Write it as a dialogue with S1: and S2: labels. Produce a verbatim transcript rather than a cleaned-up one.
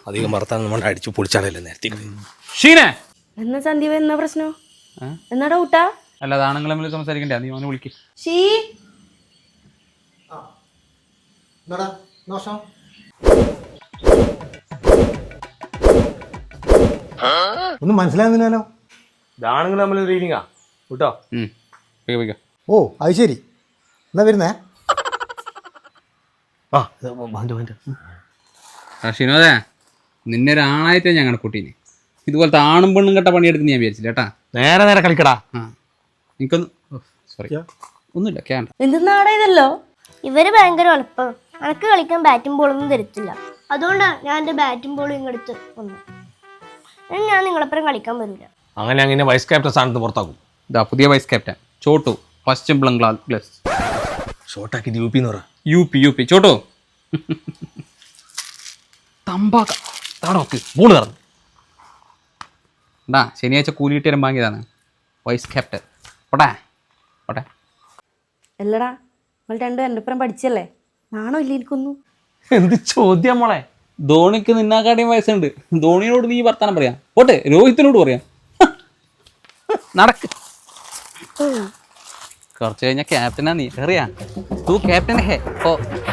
S1: അധികം വർത്താനം നമ്മൾ അടിച്ചു പൊളിച്ചാലല്ലേ നേരത്തെ.
S2: ഷീനെ
S3: എന്നാ സന്ദീപ് എന്നാ പ്രശ്നം? എന്നാ ഡൗട്ടാ?
S2: അല്ല ആണുങ്ങൾ തമ്മിൽ സംസാരിക്കണ്ടേ? നീ അവനെ വിളിക്ക്.
S3: ഷീ
S4: ഒന്നും മനസ്സിലാകുന്നില്ലല്ലോ.
S1: ഇതാണെങ്കിൽ നമ്മൾ റീഡിങ്ങാ കേട്ടോ.
S4: ഓ അത് ശരി, എന്നാ വരുന്നേ.
S1: ആ
S2: ഷിനോദേ, നിന്നെ ഒരാണായിട്ടാ ഞാൻ കണക്കൂട്ടീന്. ഇതുപോലത്തെ ആണും പെണ്ണും കെട്ട പണിയെടുത്ത് ഞാൻ വിചാരിച്ചില്ല കേട്ടാ.
S1: നേരെ നേരെ കളിക്കടാ.
S2: ആ എനിക്കൊന്ന് സോറി ഒന്നുമില്ല കേണ്ട.
S3: എന്തെന്നാടാ ഇതല്ലോ?
S5: ഇവര് ഭയങ്കര എളുപ്പം. എനക്ക് കളിക്കാൻ ബാറ്റും ബോളൊന്നും തരത്തില്ല. അതുകൊണ്ടാണ് ഞാൻ എൻ്റെ ബാറ്റും ബോളും ഇങ്ങെടുത്ത് വന്നു. ഞാൻ നിങ്ങളെപ്പുറം കളിക്കാൻ വരില്ല.
S1: അങ്ങനെ അങ്ങനെ വൈസ് ക്യാപ്റ്റൻ സ്ഥാനത്ത് പുറത്താക്കും.
S2: ഇതാ പുതിയ vice captain Chottu, first Bangla plus
S1: ഷോർട്ടാക്കി യു പി എന്ന് പറ.
S2: U P U P Chottu തമ്പാക്ക താടോക്ക്
S1: ബോൾ കറന്നു.
S2: ഉണ്ടാ ശനിയാഴ്ച കൂലി കിട്ടിയാലും വാങ്ങിയതാണ് വൈസ് ക്യാപ്റ്റൻ. പോട്ടെ പോട്ടെ.
S3: അല്ലടാ, നിങ്ങൾ രണ്ടും എൻ്റെ ഒപ്പം പഠിച്ചല്ലേ, നാണോ ഇല്ല എനിക്കൊന്നും?
S1: എന്ത് ചോദ്യം മോളെ.
S2: ധോണിക്ക് നിന്നാക്കാട്ടിയും വയസ്സുണ്ട്. ധോണിയോട് നീ വർത്താനം പറയാം. പോട്ടെ, രോഹിത്തിനോട് പറയാം. നടക്ക്. കുറച്ച് കഴിഞ്ഞാൽ ക്യാപ്റ്റനാ നീ അറിയാ. തൂ ക്യാപ്റ്റൻ ഹേ ഓ